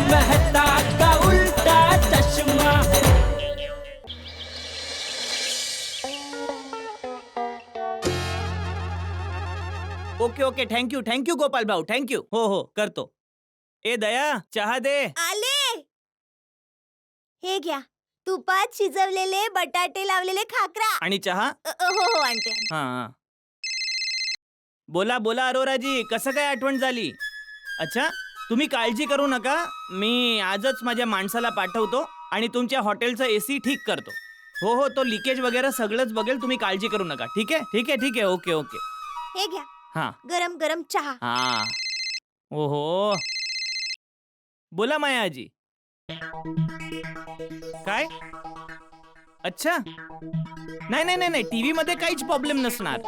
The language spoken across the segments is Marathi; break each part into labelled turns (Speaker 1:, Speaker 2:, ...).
Speaker 1: मेहता का उल्टा चश्मा।
Speaker 2: ओके ओके, थँक्यू गोपाल भाऊ, थँक्यू. हो करतो. ए दया, चहा दे.
Speaker 3: आले. हे घ्या, तुपात शिजवलेले बटाटे लावलेले खाकरा.
Speaker 2: आणि चहा.
Speaker 3: हो आणते.
Speaker 2: हा. बोला अरोराजी, कसं काय आठवण झाली? अच्छा, तुम्ही काळजी करू नका, मी आजच माझ्या माणसाला पाठवतो आणि तुमच्या हॉटेलचं AC ठीक करतो. हो तो लिकेज वगैरे सगळंच बघेल, तुम्ही काळजी करू नका. ठीक आहे. ओके.
Speaker 3: हे घ्या,
Speaker 2: हा
Speaker 3: गरम गरम चहा.
Speaker 2: हा. ओहो, बोला माया आजी. काय? अच्छा, नाही, TV मध्ये काहीच प्रॉब्लेम नसणार.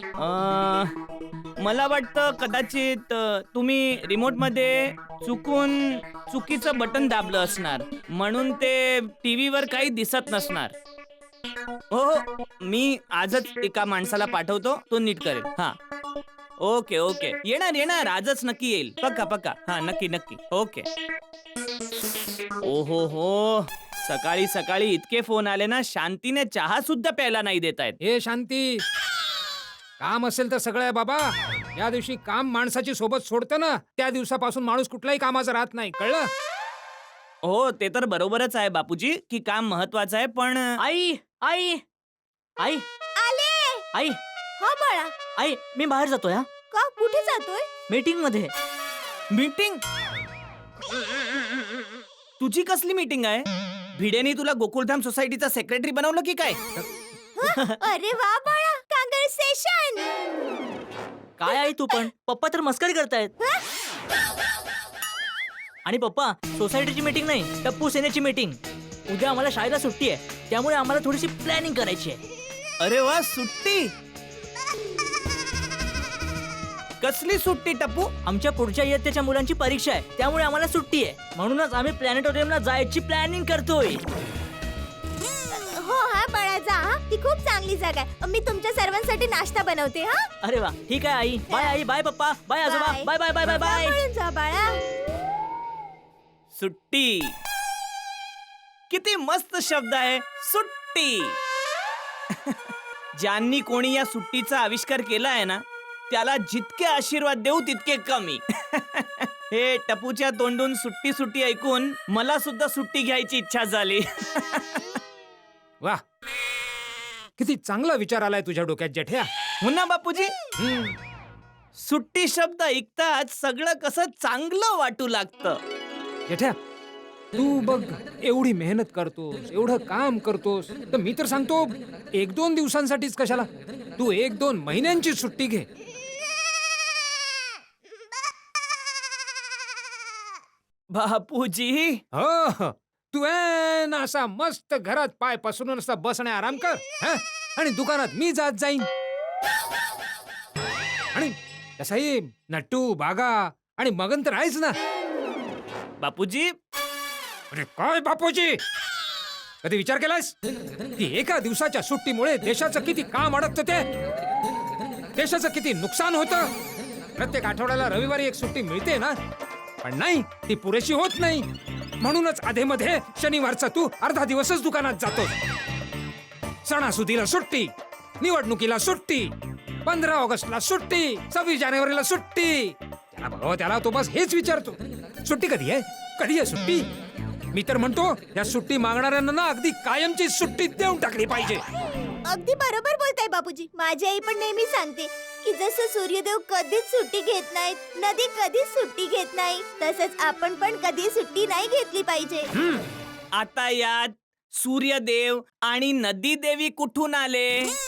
Speaker 2: मला वाटतं कदाचित तुम्ही रिमोट मध्ये चुकीचं बटन दाबलं असणार, म्हणून ते TV वर काही दिसत नसणार. हो, मी आजच एका माणसाला पाठवतो, तो नीट करेल. हा, ओके. येणार आजच नक्की येईल. पक्का. हा, नक्की. ओके. ओहो, सकाळी इतके फोन आले ना, शांतीने चहा सुद्धा प्यायला नाही देतायत.
Speaker 4: हे शांती, काम असेल तर सगळं आहे बाबा. या दिवशी काम माणसाची सोबत सोडतं ना, त्या दिवसापासून माणूस कुठलाही कामाचा राहत नाही, कळलं?
Speaker 2: हो, ते तर बरोबरच आहे बापूजी की काम महत्वाचं आहे, पण
Speaker 1: आई
Speaker 3: आले. हा बाळा,
Speaker 1: आई, मी बाहेर जातोय. हा,
Speaker 3: का कुठे जातोय?
Speaker 1: मीटिंग मध्ये.
Speaker 2: मीटिंग? तुझी कसली मीटिंग आहे? भिडेनी तुला गोकुळधाम सोसायटीचा सेक्रेटरी बनवलं की काय?
Speaker 3: अरे वा बाळा, कॉंग्रॅच्युलेशन.
Speaker 1: काय आई तू पण? पप्पा तर मस्करी करतायत. आणि पप्पा, सोसायटीची मीटिंग नाही, टप्पू सेनेची मीटिंग. उद्या आम्हाला शाळेला सुट्टी आहे, त्यामुळे आम्हाला थोडीशी प्लॅनिंग करायची आहे.
Speaker 2: अरे वा, सुट्टी? कसली सुट्टी टप्पू?
Speaker 1: आमच्या पुढच्या इयत्तेच्या मुलांची परीक्षा आहे, त्यामुळे आम्हाला सुट्टी आहे. म्हणूनच आम्ही प्लॅनेटोरियमला जायची प्लॅनिंग करतोय.
Speaker 3: हो हा बाळा, जा. ती खूप चांगली जागा आहे. मी तुमच्या सर्वांसाठी नाश्ता बनवते. हा,
Speaker 1: अरे वा, ठीक आहे आई. बाय आई, बाय पप्पा, बाय आजोबा, बाय.
Speaker 3: सांभाळून जा बाळा.
Speaker 2: सुट्टी, किती मस्त शब्द आहे, सुट्टी. ज्यांनी कोणी या सुट्टीचा आविष्कार केला आहे ना, त्याला जितके आशीर्वाद देऊ तितके कमी. हे टपूच्या तोंडून सुट्टी ऐकून मला सुद्धा सुट्टी घ्यायची इच्छा झाली.
Speaker 4: वा, किती चांगला विचार आलाय तुझ्या डोक्यात जेठ्या.
Speaker 2: हो ना बापूजी, सुट्टी शब्द ऐकताच सगळं कसं चांगलं वाटू लागतं.
Speaker 4: जेठ्या, तू बघ, एवढी मेहनत करतोस, एवढं काम करतोस, तर मी तर सांगतो 1-2 दिवसांसाठीच कशाला, तू 1-2 महिन्यांची सुट्टी घे.
Speaker 2: बापूजी,
Speaker 4: हो, तू असा मस्त घरात पाय पसरून असा बसणे आराम कर, हं? आणि दुकानात मी जात जाईन. आणि तसाही नट्टू, बागा आणि मगन तर आहेच ना.
Speaker 2: बापूजी,
Speaker 4: अरे काय बापूजी, कधी विचार केलास की एका दिवसाच्या सुट्टीमुळे देशाचं किती काम अडकतं, ते देशाचं किती नुकसान होतं. प्रत्येक आठवड्याला रविवारी एक सुट्टी मिळते ना, पण नाही, ती पुरेशी होत नाही. म्हणूनच आधेमध्ये शनिवारचा तू अर्धा दिवसच दुकानात जातो. सणासुदीला सुट्टी, निवडणुकीला सुट्टी, 15 ऑगस्टला सुट्टी, 26 जानेवारीला सुट्टी. त्याला बघावं, त्याला तो बस हेच विचारतो, सुट्टी कधी आहे सुट्टी. मी तर म्हणतो या सुट्टी मागणाऱ्यांना ना अगदी कायमची सुट्टी देऊन टाकली पाहिजे.
Speaker 3: अगदी बरोबर बोलताय बापूजी. माझी आई पण नेहमी सांगते की जसं सूर्यदेव कधीच सुट्टी घेत नाहीत, नदी कधीच सुट्टी घेत नाही, तसंच आपण पण कधी सुट्टी नाही घेतली पाहिजे.
Speaker 2: आता यात सूर्यदेव आणि नदी देवी कुठून आले?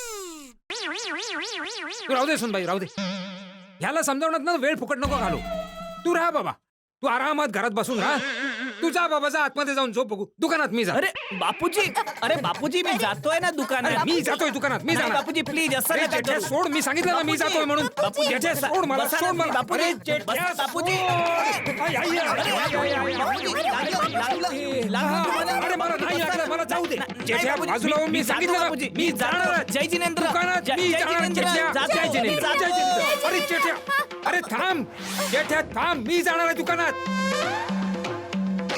Speaker 4: तू राहू दे सुनबाई, राहू दे. ह्याला समजावण्यात ना वेळ फुकट नको घालू. तू राहा बाबा, तू आरामात घरात बसून राहा. तू जा बाबा, जा आतमध्ये जाऊन झोप बघू. दुकानात मी जा.
Speaker 2: अरे बापूजी, मी जातोय ना दुकानात.
Speaker 4: मी जातोय दुकानात, मी
Speaker 2: नाही,
Speaker 4: जाणार.
Speaker 2: बापूजी प्लीज असं
Speaker 4: अरे
Speaker 2: नका
Speaker 4: जेठ्या,
Speaker 2: करू.
Speaker 4: सोड, मी सांगितलं ना मी जातोय म्हणून.
Speaker 2: बापूजी,
Speaker 4: जेठ्या, सोड मला,
Speaker 2: बसा
Speaker 4: सोड
Speaker 2: ना,
Speaker 4: मला.
Speaker 2: बापूजी,
Speaker 4: अरे जेठ्या,
Speaker 2: बसा, बापूजी.
Speaker 4: आई, आई, अरे मला नाही लागलं, मला जाऊ दे. जेठ्या, बाजूला होऊन मी सांगितलं ना, मी जाणार.
Speaker 2: जय जिनेंद्र,
Speaker 4: दुकानात मी जाणार. जेठ्या, जय जिनेंद्र, जय जिनेंद्र. अरे जेठ्या, अरे थांब जेठ्या, थांब, मी जाणार आहे दुकानात.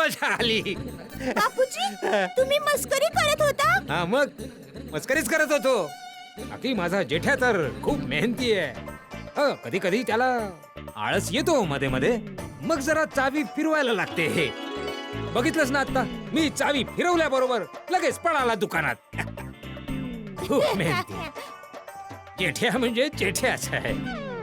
Speaker 4: मजा आली.
Speaker 3: बापूजी तुम्ही मस्करी करत होता.
Speaker 4: हा मग मस्करीच करत होतो. बाकी माझा जेठ्या तर खूप मेहनती आहे. कधी कधी त्याला आळस येतो मध्ये मध्ये, मग जरा चावी फिरवायला लागते. बघितलंस ना आता, मी चावी फिरवल्याबरोबर लगेच पळाला दुकानात. खूप मेहनती. जेठ्या म्हणजे जेठ्याच आहे.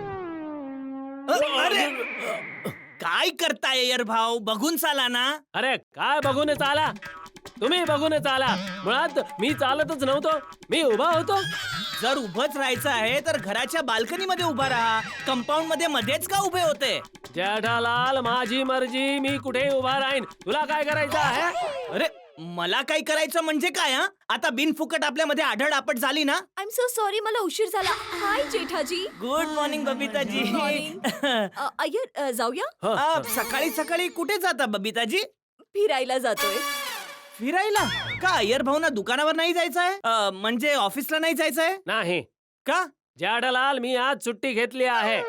Speaker 2: अरे काय करताय यार भाऊ, बघून चाला ना.
Speaker 5: अरे काय बघून चाला, तुम्ही बघून चाला. मुळात मी चालतच नव्हतो, मी उभा होतो.
Speaker 2: जर उभंच राहायचं आहे तर घराच्या बाल्कनी मध्ये उभा राहा. कंपाऊंड मध्ये मध्येच का उभे होते?
Speaker 5: जेठालाल, माझी मर्जी, मी कुठे उभा राहीन. तुला काय करायचं आहे?
Speaker 2: अरे मला काय करायचं म्हणजे काय? हा आता बिनफुकट आपल्यामध्ये आढळ आपट झाली ना.
Speaker 3: आय एम सो सॉरी, मला उशीर झाला. Hi Jethaji.
Speaker 2: Good morning Babitaji.
Speaker 3: Iyer जाऊया.
Speaker 2: सकाळी सकाळी कुठे जाता बबिताजी?
Speaker 3: फिरायला जातोय.
Speaker 2: फिरायला का? अय्यर भाऊना दुकानावर नाही जायचं आहे? म्हणजे ऑफिसला नाही जायचं आहे
Speaker 5: नाही
Speaker 2: का?
Speaker 5: जेठालाल, मी आज सुट्टी घेतली आहे.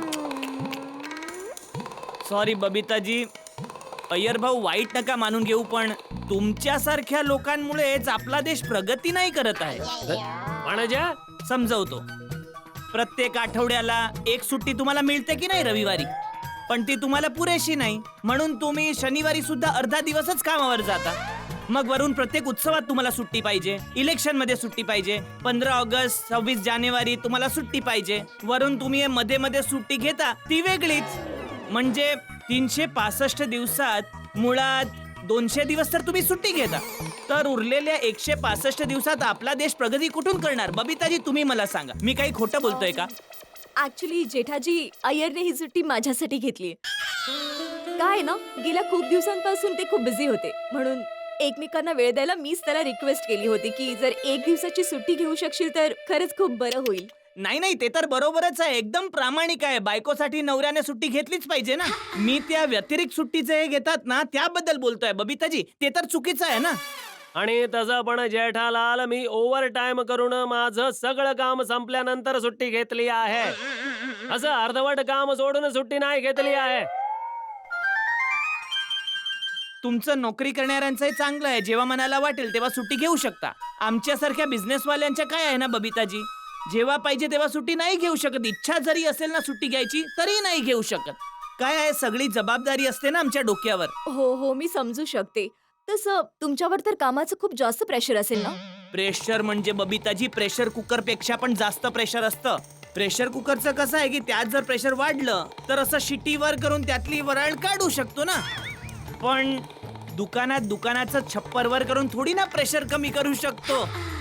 Speaker 2: सॉरी बबिताजी. अय्यर भाऊ वाईट नका मानून घेऊ, पण तुमच्यासारख्या लोकांमुळेच आपला देश प्रगती नाही करत आहे.
Speaker 5: म्हणजे
Speaker 2: समजवतो. प्रत्येक आठवड्याला एक सुट्टी तुम्हाला मिळते की नाही रविवारी, पण ती तुम्हाला पुरेशी नाही. म्हणून तुम्ही शनिवारी सुद्धा अर्धा दिवसच कामावर जाता. मग वरून प्रत्येक उत्सवात तुम्हाला सुट्टी पाहिजे, इलेक्शन मध्ये सुट्टी पाहिजे, 15 ऑगस्ट 26 जानेवारी तुम्हाला सुट्टी पाहिजे. वरून तुम्ही मध्ये मध्ये सुट्टी घेता ती वेगळीच. म्हणजे 365 दिवसात मुळात 200 दिवस तर तुम्ही सुट्टी घेता. तर उरलेल्या 165 दिवसात आपला देश प्रगती कुठून करणार? बबिताजी तुम्ही मला सांगा, मी काही खोटं बोलतोय का?
Speaker 3: ऍक्च्युली जेठाजी, अय्यरने ही सुट्टी माझ्यासाठी घेतली. काय ना, गेल्या खूप दिवसांपासून ते खूप बिझी होते, म्हणून एकमेकांना वेळ द्यायला मीच त्याला रिक्वेस्ट केली होती की जर 1 दिवसाची सुट्टी घेऊ शकशील तर खरंच खूप बरं होईल.
Speaker 2: नाही नाही, ते तर बरोबरच आहे, एकदम प्रामाणिक आहे. बायकोसाठी नवऱ्याने सुट्टी घेतलीच पाहिजे ना. मी त्या व्यतिरिक्त सुट्टीचे हे घेतात ना त्याबद्दल बोलतोय बबिताजी. ते तर चुकीचं आहे ना.
Speaker 5: आणि तसं पण जेठालाल, मी ओव्हर टाइम करून माझं सगळं काम संपल्यानंतर सुट्टी घेतली आहे. असं अर्धवट काम सोडून सुट्टी नाही घेतली आहे.
Speaker 2: तुमचं नोकरी करणाऱ्यांचंही चांगलं आहे, जेव्हा मनाला वाटेल तेव्हा सुट्टी घेऊ शकता. आमच्यासारख्या बिझनेसवाल्यांच्या काय आहे ना बबिताजी, जेव्हा पाहिजे तेव्हा सुट्टी नाही घेऊ शकत. इच्छा जरी असेल ना सुट्टी घ्यायची तरी नाही घेऊ शकत. काय आहे, सगळी जबाबदारी असते ना आमच्या डोक्यावर.
Speaker 3: हो, मी समजू शकते. तसं तुमच्यावर तर कामाचं खूप जास्त प्रेशर असेल ना.
Speaker 2: प्रेशर म्हणजे बबिताजी, प्रेशर कुकर पेक्षा पण जास्त प्रेशर असतं. प्रेशर कुकरचं कसं आहे की त्यात जर प्रेशर वाढलं तर असं शिटीवर करून त्यातली वराळ काढू शकतो ना. पण दुकानाचं छप्परवर करून थोडी ना प्रेशर कमी करू शकतो.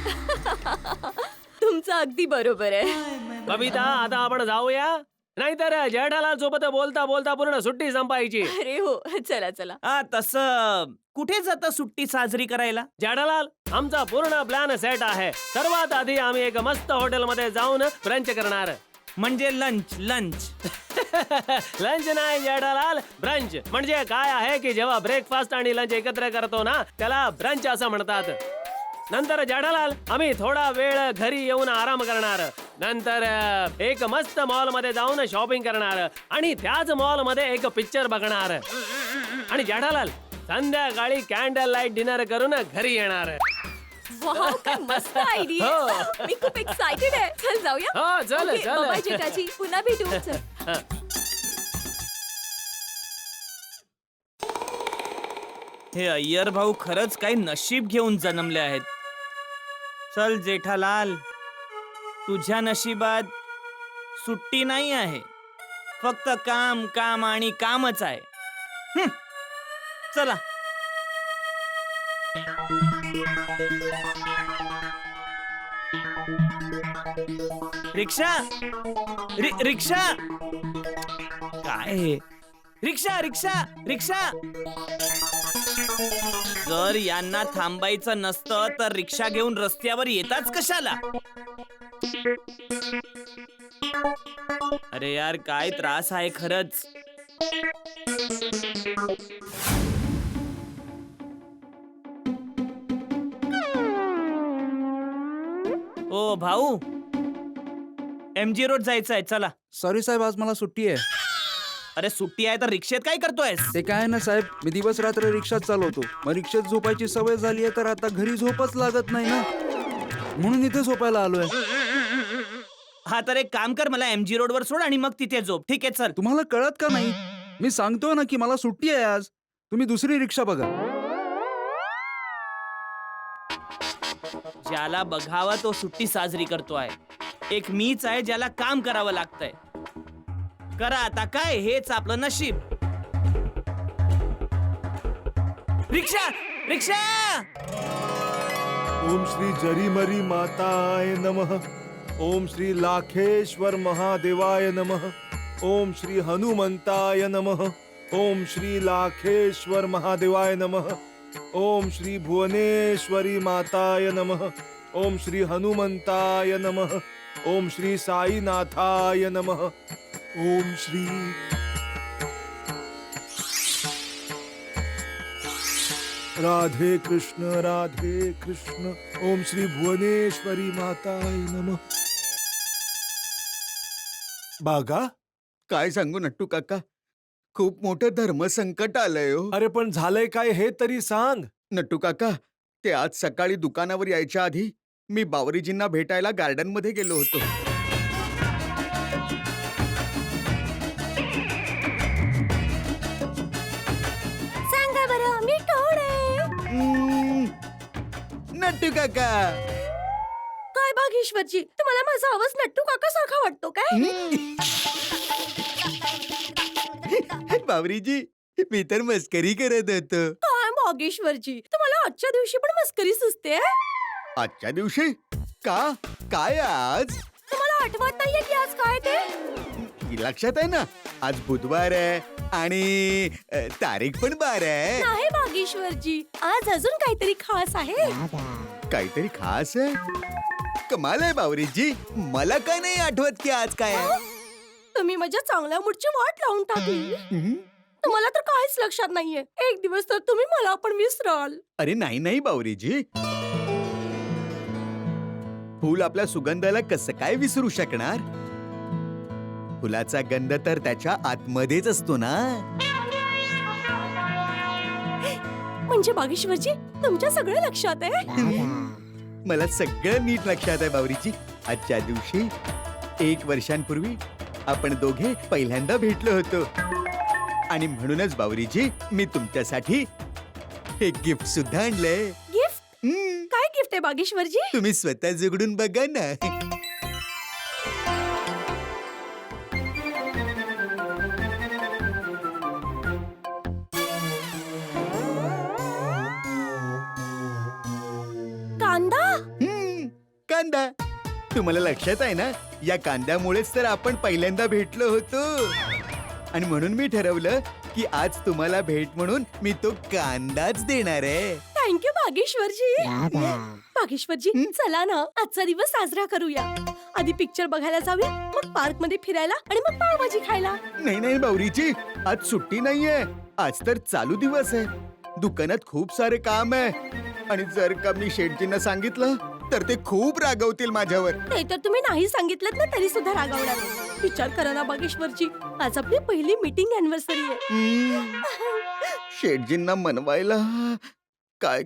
Speaker 3: तुमचं अगदी बरोबर आहे.
Speaker 5: बबिता, आता आपण जाऊया, नाहीतर जेठालाल सोबत बोलता बोलता पूर्ण सुट्टी संपायची.
Speaker 3: अरे हो, चला चला.
Speaker 2: तसं कुठे जाता सुट्टी साजरी करायला?
Speaker 5: जेठालाल, आमचा पूर्ण प्लॅन सेट आहे. सर्वात आधी आम्ही एक मस्त हॉटेलमध्ये जाऊन ब्रंच करणार.
Speaker 2: म्हणजे लंच.
Speaker 5: लंच नाही जेठालाल, ब्रंच. म्हणजे काय आहे की जेव्हा ब्रेकफास्ट आणि लंच एकत्र करतो ना त्याला ब्रंच असं म्हणतात. नंतर जेठालाल, आम्ही थोडा वेळ घरी येऊन आराम करणार. नंतर एक मस्त मॉल मध्ये जाऊन शॉपिंग करणार आणि त्याच मॉल मध्ये एक पिक्चर बघणार. आणि जेठालाल, संध्याकाळी कॅन्डल लाईट डिनर करून घरी येणार.
Speaker 3: वाव, काय मस्त आयडिया.
Speaker 5: हो.
Speaker 3: मी खूप एक्साइटेड आहे. चल जाऊया.
Speaker 5: हो, चल,
Speaker 3: ओके,
Speaker 5: चल.
Speaker 3: बाय जेठाजी, पुन्हा भेटू. चल.
Speaker 2: हे अय्यर भाऊ खरंच काही नशीब घेऊन जन्मले आहेत. चल जेठालाल, तुझ्या नशिबात सुट्टी नाही आहे, फक्त काम काम आणि कामच आहे. चला. रिक्षा, रिक्षा काय? रिक्षा रिक्षा रिक्षा. जर यांना थांबायचं नसतं तर रिक्षा घेऊन रस्त्यावर येताच कशाला? अरे यार, काय त्रास आहे खरंच. ओ भाऊ, MG रोड जायचं आहे, चला.
Speaker 6: सॉरी साहेब, आज मला सुट्टी आहे.
Speaker 2: अरे सुट्टी आहे तर रिक्षेत काय करतोयस?
Speaker 6: ते काय ना साहेब, मी दिवस रात्र रिक्षात चालवतो. मग रिक्षेत झोपायची सवय झाली आहे तर आता घरी झोपच लागत नाही ना, म्हणून इथे झोपायला आलोय.
Speaker 2: हा तर एक काम कर, मला MG रोड वर सोड आणि मग तिथे झोप. ठीक आहे चल.
Speaker 6: तुम्हाला कळत का नाही? मी सांगतोय ना की मला सुट्टी आहे आज. तुम्ही दुसरी रिक्षा बघा.
Speaker 2: ज्याला बघावा तो सुट्टी साजरी करतोय. एक मीच आहे ज्याला काम करावं लागतंय. करा आता काय, हेच आपलं नशीब. रिक्षा रिक्षा.
Speaker 7: ओम श्री जरीमरी माताय नमः. ओम श्री लाखेश्वर महादेवाय नमः. ओम श्री हनुमंताय नमः. ओम श्री लाखेश्वर महादेवाय नमः. ओम श्री भुवनेश्वरी माताय नमः. ओम श्री हनुमंताय नमः. ओम श्री साईनाथाय नमः. ओम श्री राधे कृष्ण. ओम श्री भुवनेश्वरी माताय नमः. बागा,
Speaker 6: काय सांगू नट्टू काका, खूप मोठं धर्मसंकट आलंय हो.
Speaker 7: अरे पण झालंय काय हे तरी सांग.
Speaker 6: नट्टू काका, ते आज सकाळी दुकानावर यायच्या आधी मी बावरीजींना भेटायला गार्डन मध्ये गेलो होतो.
Speaker 3: सांगा बरं मी कोण आहे?
Speaker 6: नट्टू काका.
Speaker 3: काय भागेश्वरजी, तुम्हाला माझा आवाज नट्टू काका सारखा वाटतो काय?
Speaker 6: बावरीजी, मी तर मस्करी करत होतो.
Speaker 3: काय भागेश्वरजी, तुम्हाला आजच्या दिवशी पण मस्करी सुचते?
Speaker 6: आजच्या दिवशी का? काय आज?
Speaker 3: तुम्हाला आठवत नाहीये की आज काय ते?
Speaker 6: लक्षात आहे ना, आज बुधवार आहे आणि तारीख पण 12 आहे.
Speaker 3: नाही भागेश्वरजी, आज अजून काहीतरी खास आहे.
Speaker 6: काहीतरी खास आहे. कमाल आहे बावरीजी, मला काय नाही आठवत की आज काय आहे.
Speaker 3: तुम्ही माझ्या चांगल्या मूडची वाट लावून टाकली. तुम्हाला तर काहीच लक्षात नाहीये. एक दिवस तर तुम्ही मला पण विसराल.
Speaker 6: अरे नाही नाही बावरीजी, फूल आपल्या सुगंधाला कसं काय विसरू शकणार? फुलाचा गंध तर त्याच्या आतमध्येच असतो ना.
Speaker 3: म्हणजे भागेश्वरजी, तुमच्या सगळं लक्षात आहे.
Speaker 6: मला सगळं नीट लक्षात आहे बावरीजी. आजच्या दिवशी 1 वर्षांपूर्वी आपण दोघे पहिल्यांदा भेटलो होतो आणि म्हणूनच बावरीजी, मी तुमच्यासाठी एक गिफ्ट सुद्धा आणलंय.
Speaker 3: गिफ्ट? काय गिफ्ट आहे भागेश्वरजी?
Speaker 6: तुम्ही स्वतः जुगडून बघा ना.
Speaker 3: कांदा?
Speaker 6: कांदा. तुम्हाला लक्षात आहे ना, या कांद्यामुळेच तर आपण पहिल्यांदा भेटलो होतो आणि म्हणून मी ठरवलं की आज तुम्हाला भेट म्हणून मी तो कांदाच देणार आहे.
Speaker 3: थँक्यू भागेश्वरजी. भागेश्वरजी, चला ना आजचा दिवस साजरा करूया. आधी पिक्चर बघायला जाऊया, मग पार्क मध्ये फिरायला आणि मग पावभाजी खायला.
Speaker 6: नाही नाही बावरीची, आज सुट्टी नाहीये. आज तर चालू दिवस आहे. दुकानात खूप सारे काम आहे आणि जर का मी शेठजींना सांगितलं तर ते खूप रागवतील माझ्यावर.
Speaker 3: ते तर तुम्ही नाही सांगितलं ना तरी सुद्धा रागावणार. विचार करा ना भागेश्वरजी, आज आपली पहिली मीटिंग अॅनिव्हर्सरी आहे.
Speaker 6: शेठजींना मनवायला काय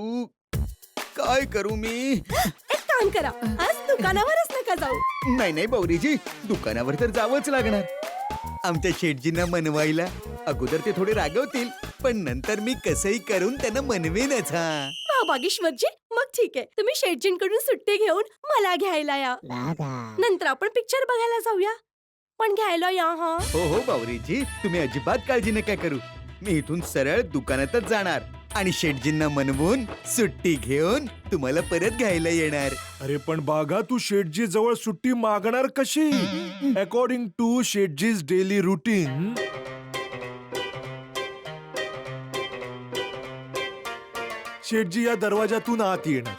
Speaker 6: करू मी?
Speaker 3: एक काम करा, आज दुकानावरच नका जाऊ.
Speaker 6: नाही नाही बावरीजी, दुकानावर तर जावंच लागणार. आमच्या शेठजींना मनवायला अगोदर ते थोडे रागवतील, पण नंतर मी कसंही करून त्यांना मनवेनच.
Speaker 3: हा भागेश्वरजी, मग ठीक आहे, तुम्ही शेठजींकडून सुट्टी घेऊन मला घ्यायला या. नंतर आपण पिक्चर बघायला जाऊया, पण घ्यायला या. हा
Speaker 6: हो बावरीजी, तुम्ही अजिबात काळजी नका करू. मी इथून सरळ दुकानातच जाणार आणि शेठजींना मनवून सुट्टी घेऊन तुम्हाला परत घ्यायला येणार.
Speaker 7: अरे पण बागा, तू शेठजी जवळ सुट्टी मागणार कशी? अकॉर्डिंग टू शेठजीज डेली रुटीन, शेठजी या दरवाजातून आत येणार.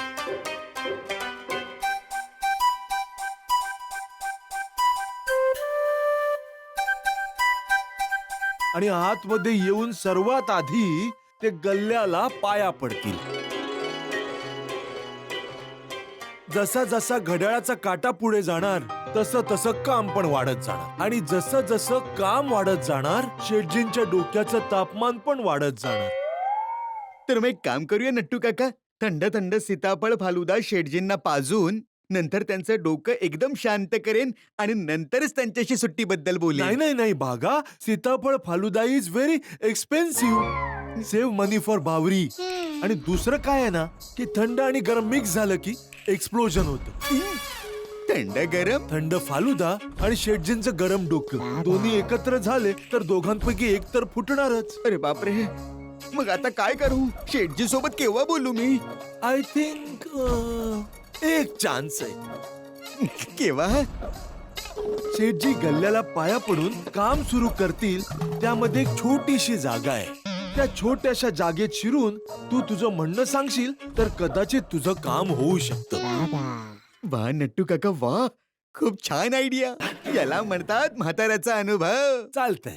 Speaker 7: आणि आतमध्ये येऊन सर्वात आधी ते गल्ल्याला पाया पडतील. जसा जसा घड्याळाचा काटा पुढे जाणार तसं तसं काम पण वाढत जाणार आणि जसं जसं काम वाढत जाणार शेटजींच्या डोक्याचं तापमान पण वाढत जाणार.
Speaker 6: तर मग एक काम करूया नट्टू काका, थंड थंड सीताफळ फालुदा शेटजींना पाजून नंतर त्यांचं डोकं एकदम शांत करेन आणि नंतरच त्यांच्याशी सुट्टीबद्दल
Speaker 7: नाही
Speaker 6: बोलेन.
Speaker 7: नाही नाही Bagha, sitaphal falooda is very expensive. Save money for Bawri. आणि दुसरं काय आहे ना की थंड आणि गरम मिक्स झालं की एक्सप्लोजन होतं.
Speaker 6: थंड गरम
Speaker 7: थंड फालुदा आणि शेटजींचं गरम डोकं दोन्ही एकत्र झाले तर दोघांपैकी एक तर फुटणारच.
Speaker 6: अरे बापरे, मग आता काय करू? शेटजी सोबत केव्हा बोलू मी?
Speaker 7: आय थिंक एक चान्स आहे.
Speaker 6: केव्हा?
Speaker 7: शेठजी गल्ल्याला पाया पडून काम सुरू करतील त्यामध्ये एक छोटीशी जागा आहे. त्या छोट्याशा जागेत शिरून तू तुझं म्हणणं सांगशील तर कदाचित तुझं काम होऊ शकतं.
Speaker 6: वा नट्टू काका वा, खूप छान आयडिया. याला म्हणतात म्हाताऱ्याचा अनुभव.
Speaker 7: चालतंय.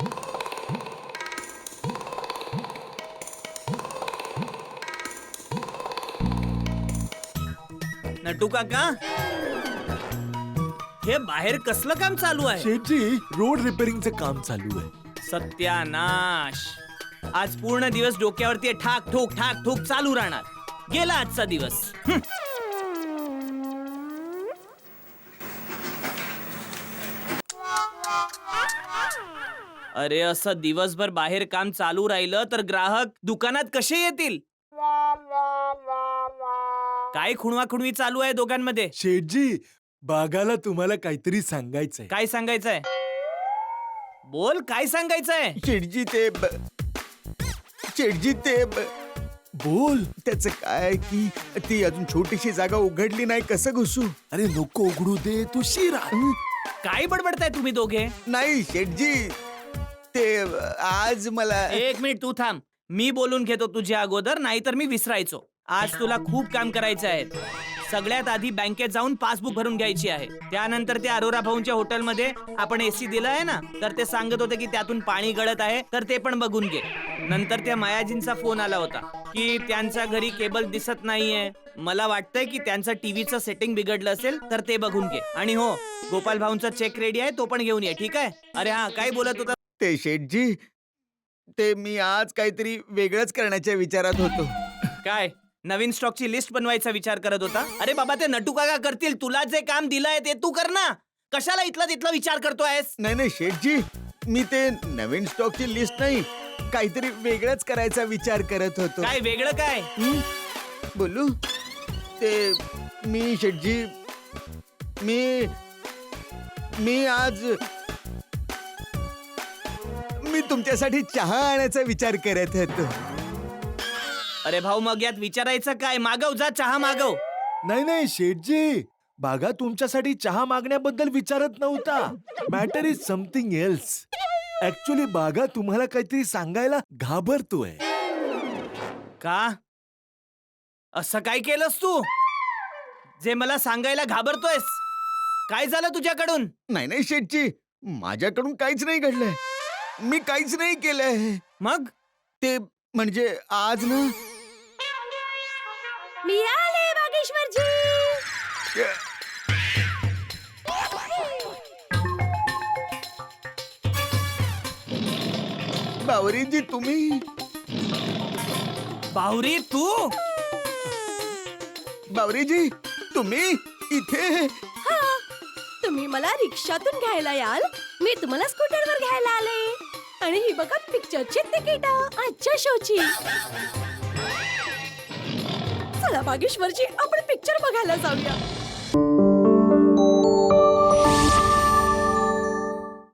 Speaker 2: नटू काका, हे बाहेर कसलं काम चालू आहे?
Speaker 7: शेठजी रोड रिपेअरिंगचं काम चालू आहे.
Speaker 2: सत्यानाश, आज पूर्ण दिवस डोक्यावरती ठाक ठोक चालू राहणार. गेला आजचा दिवस. अरे असं दिवसभर बाहेर काम चालू राहिलं तर ग्राहक दुकानात कसे येतील? काय खुणवा-खुणवी चालू आहे दोघांमध्ये?
Speaker 7: शेठजी, बागाला तुम्हाला काहीतरी सांगायचंय.
Speaker 2: काय सांगायचंय? बोल, काय सांगायचंय?
Speaker 6: शेटजी ते शेटजी ते
Speaker 7: बोल.
Speaker 6: त्याचं काय की ती अजून छोटीशी जागा उघडली नाही, कसं घुसू?
Speaker 7: अरे नको उघडू दे, तू शिरा.
Speaker 2: काय बडबडताय तुम्ही दोघे?
Speaker 6: नाही शेटजी, ते आज मला
Speaker 2: एक मिनिट तू थांब. मी बोलून घेतो तुझ्या अगोदर, नाहीतर मी विसरायचो. आज तुला खूप काम करायचं आहे. सगळ्यात आधी बँकेत जाऊन पासबुक भरून घ्यायची आहे. त्यानंतर त्या अरोरा भाऊंच्या हॉटेलमध्ये आपण एसी दिला आहे ना, तर ते सांगत होते की त्यातून पाणी गळत आहे, तर ते पण बघून घे. नंतर त्या मायाजींचा फोन आला होता की त्यांच्या घरी केबल दिसत नाहीये. मला वाटतंय की त्यांचं टीव्हीचं सेटिंग बिघडलं असेल, तर ते बघून घे. आणि हो, गोपाल भाऊंचा चेक रेडी आहे, तो पण घेऊन ये. ठीक आहे? अरे हा, काय बोलत होता?
Speaker 6: ते शेटजी, ते मी आज काहीतरी वेगळंच करण्याच्या विचारात होतो.
Speaker 2: काय नवीन स्टॉकची लिस्ट बनवायचा विचार करत होता? अरे बाबा, ते नटू काका करतील. तुला जे काम दिलंय ते तू कर ना. कशाला इथला तिथला विचार करतोयस?
Speaker 6: नाही नाही शेटजी, मी ते नवीन स्टॉकची लिस्ट नाही, काहीतरी वेगळंच करायचा विचार करत होतो.
Speaker 2: काय वेगळं काय?
Speaker 6: बोलू? ते मी शेटजी, मी आज मी तुमच्यासाठी चहा आणायचा विचार करत होतो.
Speaker 2: अरे भाऊ, मग यात विचारायचं काय? मागव, जा चहा मागव.
Speaker 7: नाही नाही शेठजी, बागा तुमच्यासाठी चहा मागण्याबद्दल विचारत नव्हता. Matter is something else. Actually Bagha तुम्हाला काहीतरी सांगायला घाबरतोय.
Speaker 2: का? असं काय केलंस तू जे मला सांगायला घाबरतोयस? काय झालं तुझ्याकडून?
Speaker 6: नाही नाही शेटजी, माझ्याकडून काहीच नाही घडलंय. मी काहीच नाही केलंय.
Speaker 2: मग
Speaker 6: ते म्हणजे आज ना
Speaker 3: मी आले बागेश्वरजी.
Speaker 6: बावरीजी तुम्ही?
Speaker 2: बाहुरी तू?
Speaker 6: बावरीजी तुम्ही इथे?
Speaker 3: तुम्ही मला रिक्षातून घ्यायला याल, मी तुम्हाला स्कूटरवर घ्यायला आले. आणि ही बघा पिक्चरची तिकीट आजच्या शोची. चला बागेश्वरजी, आपण पिक्चर बघायला जाऊया.